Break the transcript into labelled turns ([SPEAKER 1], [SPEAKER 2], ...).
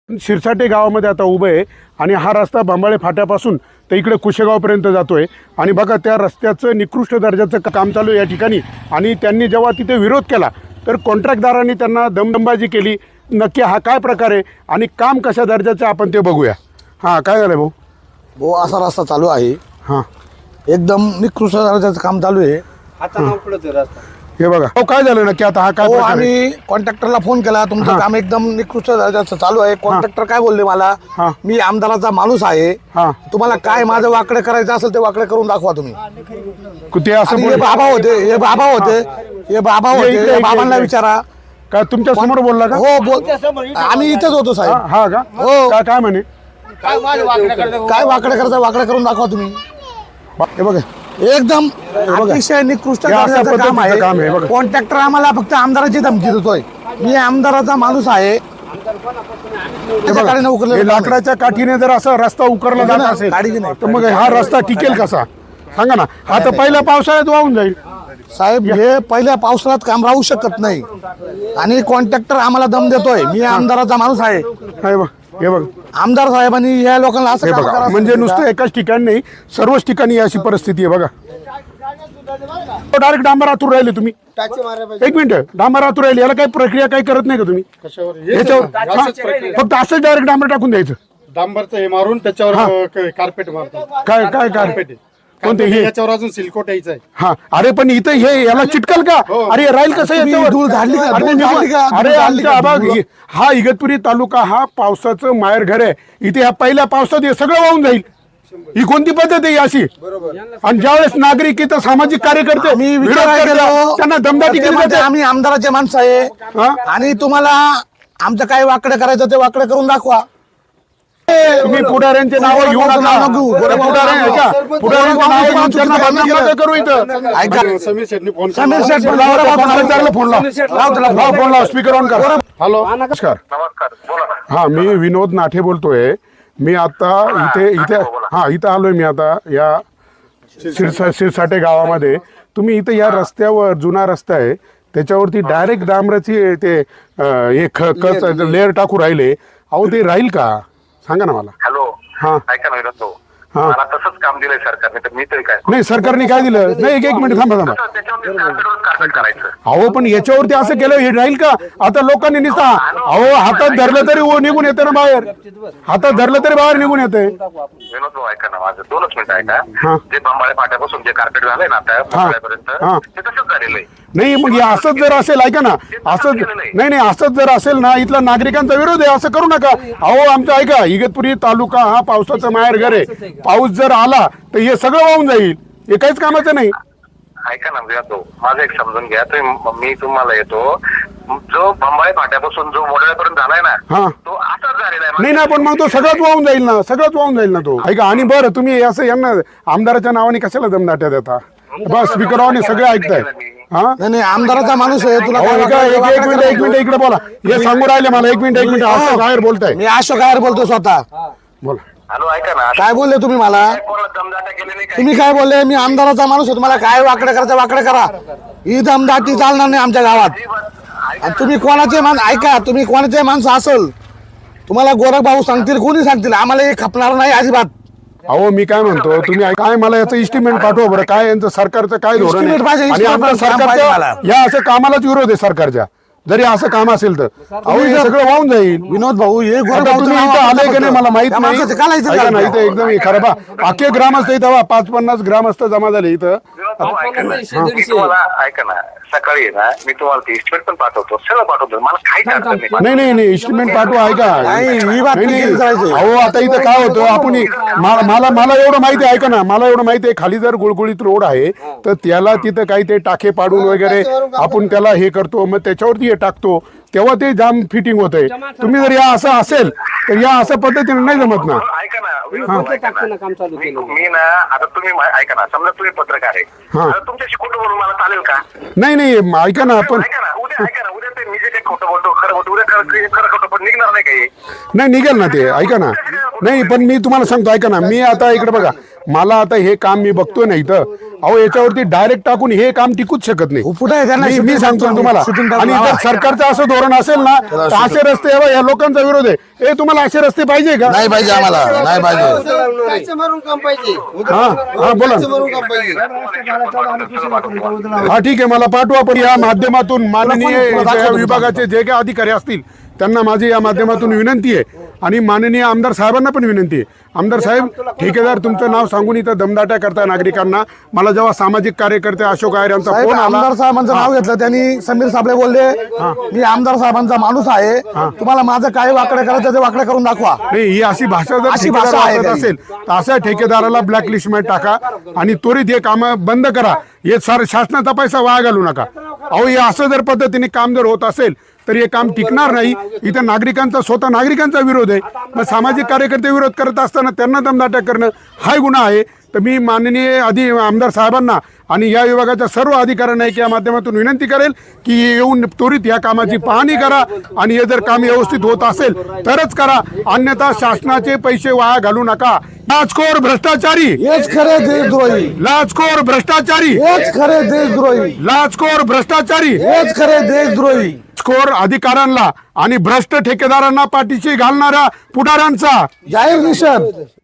[SPEAKER 1] शिरसाटे गावामध्ये आता उभं आहे आणि हा रस्ता बांबाळे फाट्यापासून तर इकडे कुशेगावपर्यंत जातोय आणि बघा त्या रस्त्याचं निकृष्ट दर्जाचं काम चालू आहे या ठिकाणी। आणि त्यांनी जेव्हा तिथे विरोध केला तर कॉन्ट्रॅक्टदारांनी त्यांना दमदंबाजी केली। नक्की हा काय प्रकार आहे आणि काम कशा दर्जाचं आपण ते बघूया। हां, काय झालं भाऊ?
[SPEAKER 2] असा रस्ता चालू आहे,
[SPEAKER 1] हां
[SPEAKER 2] एकदम निकृष्ट दर्जाचं काम चालू आहे।
[SPEAKER 1] हे बघा हो, काय झालं नक्की आता हा काय प्रकार आहे?
[SPEAKER 2] आम्ही कॉन्ट्रॅक्टरला फोन केला, तुमचं काम एकदम निकृष्ट दर्जाचं चालू आहे। कॉन्ट्रॅक्टर काय बोलले मला, मी आमदाराचा माणूस आहे, तुम्हाला काय माझं वाकडे करायचं असेल ते वाकडे करून दाखवा तुम्ही।
[SPEAKER 1] ते असं
[SPEAKER 2] हे बाबा होते, हे बाबांना विचारा।
[SPEAKER 1] काय तुमच्या समोर बोलला का?
[SPEAKER 2] हो बोल, आम्ही इथेच होतो साहेब।
[SPEAKER 1] हा का?
[SPEAKER 2] हो।
[SPEAKER 1] काय म्हणे?
[SPEAKER 2] काय वाकडे करायचं वाकडे करून दाखवा तुम्ही।
[SPEAKER 1] हे बघा
[SPEAKER 2] एकदम अतिशय निकृष्ट दर्जाचं काम आहे। कॉन्ट्रॅक्टर आम्हाला फक्त आमदाराची धमकी देतोय, मी आमदाराचा माणूस आहे।
[SPEAKER 1] हे लाकडाच्या काठीने जर असा रस्ता उकरला जात असेल तर मग हा रस्ता टिकेल कसा सांगा ना? आता पहिल्या पावसाळ्यात वाहून जाईल
[SPEAKER 2] साहेब। हे पहिल्या पावसाळ्यात काम राहू शकत नाही आणि कॉन्ट्रॅक्टर आम्हाला दम देतोय, मी आमदाराचा माणूस आहे।
[SPEAKER 1] हे बघ,
[SPEAKER 2] आमदार साहेबांनी या लोकांना असं काम करावं
[SPEAKER 1] म्हणजे नुसतं एकाच ठिकाणी नाही, सर्वच ठिकाणी अशी परिस्थिती आहे बघा। डायरेक्ट डांबर आतूर राहिले तुम्ही? एक मिनिट, डांबर आतूर राहिले, याला काही प्रक्रिया काही करत नाही का तुम्ही याच्यावर? फक्त असंच डायरेक्ट डांबर टाकून द्यायचं?
[SPEAKER 3] डांबरचं हे मारून त्याच्यावर कार्पेट मारतात।
[SPEAKER 1] काय काय कार्पेट कोणते हे?
[SPEAKER 3] याच्यावर अजून सिल्कोट यायचं आहे।
[SPEAKER 1] हा, अरे पण इथं हे याला चिटकल का? अरे राहील कसं याच्यावर?
[SPEAKER 2] धूळ झाडली का?
[SPEAKER 1] अरे आमच्या हा इगतपुरी तालुका हा पावसाचं माहेर घर आहे। इथे ह्या पहिल्या पावसात हे सगळं वाहून जाईल, ही कोणती पद्धत आहे अशी? आणि ज्यावेळेस नागरिक इथं सामाजिक कार्यकर्ते त्यांना दमदाटी केली जाते।
[SPEAKER 2] आम्ही आमदाराचे माणसं आहे आणि तुम्हाला आमचं काय वाकडे करायचं ते वाकडे करून दाखवा।
[SPEAKER 1] तुम्ही पुढाऱ्यांचे नाव घेऊ नका, पुढाऱ्यांचे नाव करू इथं।
[SPEAKER 3] समीर शेटनी फोन
[SPEAKER 2] समीर शेठ
[SPEAKER 1] फोन लाव, स्पीकर ऑन कर।
[SPEAKER 3] हॅलो,
[SPEAKER 1] नमस्कार।
[SPEAKER 4] नमस्कार, बोला ना।
[SPEAKER 1] हा, मी विनोद नाठे बोलतोय। मी आता इथे आलोय मी आता या शिरसाटे गावामध्ये। तुम्ही इथं या रस्त्यावर जुना रस्ता आहे त्याच्यावरती डायरेक्ट डांबराची ते लेअर टाकू राहिले, अहो ते राहील का सांगा ना मला?
[SPEAKER 4] हॅलो,
[SPEAKER 1] हा
[SPEAKER 4] ऐका ना विनोद भाऊ, मला तसंच काम दिलंय सरकारने, तर मी तरी काय?
[SPEAKER 1] नाही, सरकारने काय दिलं? नाही, एक मिनिट थांबा।
[SPEAKER 4] त्याच्यावर कार्पेट करायचं।
[SPEAKER 1] अहो पण याच्यावरती असं केलं हे राहील का? आता लोकांनी नुसता अहो हातात धरलं तरी निघून येते ना बाहेर, हातात धरलं तरी बाहेर निघून येते।
[SPEAKER 4] विनोद भाऊ ऐका ना, माझं 2 मिनिटं ऐका। जे बांबाळे फाट्यापासून जे कार्पेट झालंय ना आता ते तसंच झालेलं आहे।
[SPEAKER 1] नाही मग हे असंच जर असेल, ऐका ना, असंच नाही असंच जर असेल ना, इथला नागरिकांचा विरोध आहे, असं करू नका। अहो आमचं ऐका, इगतपुरी तालुका हा पावसाचं माहेर घर आहे, पाऊस जर आला तर हे सगळं वाहून जाईल, हे काहीच कामाचं नाही।
[SPEAKER 4] ऐका ना विनोद भाऊ, माझं एक समजून घ्या, मी तुम्हाला येतो, जो बांबाळे फाट्यापासून जो मोडळ्यापर्यंत झालाय ना तो असाच झालेला आहे।
[SPEAKER 1] नाही ना, पण मग तो सगळंच वाहून जाईल ना, सगळंच वाहून जाईल ना तो। ऐका, आणि बरं तुम्ही असं यांना आमदाराच्या नावाने कशाला दमदाट्या देता? बस स्पीकर ऑन आहे, सगळे ऐकताय।
[SPEAKER 2] नाही आमदाराचा माणूस आहे, तुला
[SPEAKER 1] एक मिनिट इकडे बोला, हे सांगू राहिले मला। एक मिनिट असं बाहेर बोलताय?
[SPEAKER 2] मी अशोक गायर बोलतो स्वतः।
[SPEAKER 1] बोला।
[SPEAKER 4] हॅलो, ऐका ना,
[SPEAKER 2] काय बोलले तुम्ही मला?
[SPEAKER 4] दमदाटा केली नाही
[SPEAKER 2] तुम्ही काय बोलले? मी आमदाराचा माणूस आहे, तुम्हाला काय वाकडे करायचं वाकडे करा, ही दमदाटी चालणार नाही आमच्या गावात। आणि तुम्ही कोणाचे ऐका, तुम्ही कोणाचे माणसं असेल, तुम्हाला गोरख भाऊ सांगतील, कोणी सांगतील, आम्हाला हे खपणार नाही अजिबात।
[SPEAKER 1] अहो मी काय म्हणतो, तुम्ही काय मला याचं इस्टिमेट पाठवा बरं, काय यांचं सरकारचं काय धोरण आहे? आणि आमच्या सरकारच्या या असं कामालाच विरोध आहे सरकारच्या, जरी असं काम असेल तर। अहो हे सगळं वाहून जाईल।
[SPEAKER 2] विनोद भाऊ, हे
[SPEAKER 1] तुम्ही इथं आले की नाही मला माहित नाही, इथं एकदम खरं बा, अख्खे ग्रामस्थ इथं 50-50 ग्रामस्थ जमा झाले इथं।
[SPEAKER 4] ऐका ना, सकाळी ना मी तुम्हाला ते इस्टिमेट पण पाठवतो, सगळं पाठवतो, मला काही
[SPEAKER 1] नाही इस्टिमेट पाठवा। ऐका, अहो आता इथं काय होतं, आपण मला एवढं माहिती आहे, ऐका ना, मला एवढं माहिती आहे, खाली जर गुळगुळीत रोड आहे तर त्याला तिथं काही ते टाके पाडून वगैरे आपण त्याला हे करतो, मग त्याच्यावरती हे टाकतो, तेव्हा ते जाम फिटिंग होतंय। तुम्ही जर या असं असेल तर या असं पद्धतीने नाही जमत ना।
[SPEAKER 4] ऐका ना, मी ना आता तुम्ही ऐका ना, समजा तुम्ही पत्रकार आहे, तुमच्याशी खोटं बोलून मला चालेल का?
[SPEAKER 1] नाही ऐका ना, आपण
[SPEAKER 4] उद्या ते मी जे काही खोटं बोलतो खरं बोलतो, उद्या खरं खोटं पण निघणार नाही काही?
[SPEAKER 1] नाही निघेल ना ते, ऐका ना। नाही पण मी तुम्हाला सांगतो, ऐका ना, मी आता इकडे बघा, मला आता हे काम मी बघतोय ना इथं, अहो याच्यावरती डायरेक्ट टाकून हे काम टिकूच शकत नाही.
[SPEAKER 2] कुठे आहे त्यांना
[SPEAKER 1] मी सांगतो ना तुम्हाला. आणि जर सरकारचं असं धोरण असेल ना तर असे रस्ते हे बघ, या लोकांचा विरोध आहे. हे तुम्हाला असे रस्ते पाहिजे का?
[SPEAKER 2] नाही पाहिजे आम्हाला, नाही पाहिजे.
[SPEAKER 1] हा बोला. हा ठीक आहे, मला पाठवा. पण या माध्यमातून माननीय या विभागाचे जे काही अधिकारी असतील त्यांना माझी या माध्यमातून विनंती आहे आणि माननीय आमदार साहेबांना पण विनंती आहे. आमदार साहेब, ठेकेदार तुमचं नाव सांगून इथं दमदाट्या करताय नागरिकांना. मला जेव्हा सामाजिक कार्यकर्ते अशोक आयर यांचा फोन आला,
[SPEAKER 2] आमदार साहेबांचं नाव घेतलं त्यांनी. समीर साबळे बोलले मी आमदार साहेबांचा माणूस आहे, तुम्हाला माझं काय वाकडे करायचं ते वाकडे करून दाखवा.
[SPEAKER 1] नाही, ही अशी भाषा जर
[SPEAKER 2] अशी
[SPEAKER 1] ठेकेदार
[SPEAKER 2] भाषा आहे
[SPEAKER 1] वापरत
[SPEAKER 2] काही.
[SPEAKER 1] असेल तर अशा ठेकेदाराला ब्लॅकलिस्ट मध्ये टाका आणि त्वरित हे कामं बंद करा. हे शासनाचा पैसा वाया घालू नका. अहो हे असं जर पद्धतीने काम जर होत असेल तर हे काम टिकणार नाही. इथं नागरिकांचा, स्वतः नागरिकांचा विरोध आहे. मग सामाजिक कार्यकर्ते विरोध करत असताना त्यांना दमदाट्या करणं हा गुन्हा आहे. तर मी माननीय आमदार साहेबांना आणि या विभागाच्या सर्व अधिकाऱ्यांना या माध्यमातून विनंती करेल की येऊन त्वरित या कामाची पाहणी करा आणि हे जर काम व्यवस्थित होत असेल तरच करा, अन्यथा शासनाचे पैसे वाया घालू नका. लाचखोर भ्रष्टाचारी,
[SPEAKER 2] हेच खरे देशद्रोही,
[SPEAKER 1] लाचखोर भ्रष्टाचारी,
[SPEAKER 2] हेच खरे देशद्रोही,
[SPEAKER 1] लाचखोर भ्रष्टाचारी,
[SPEAKER 2] हेच खरे देशद्रोही.
[SPEAKER 1] लाचखोर अधिकाऱ्यांना आणि भ्रष्ट ठेकेदारांना पाठीशी घालणाऱ्या पुढाऱ्यांचा
[SPEAKER 2] जाहीर निषेध.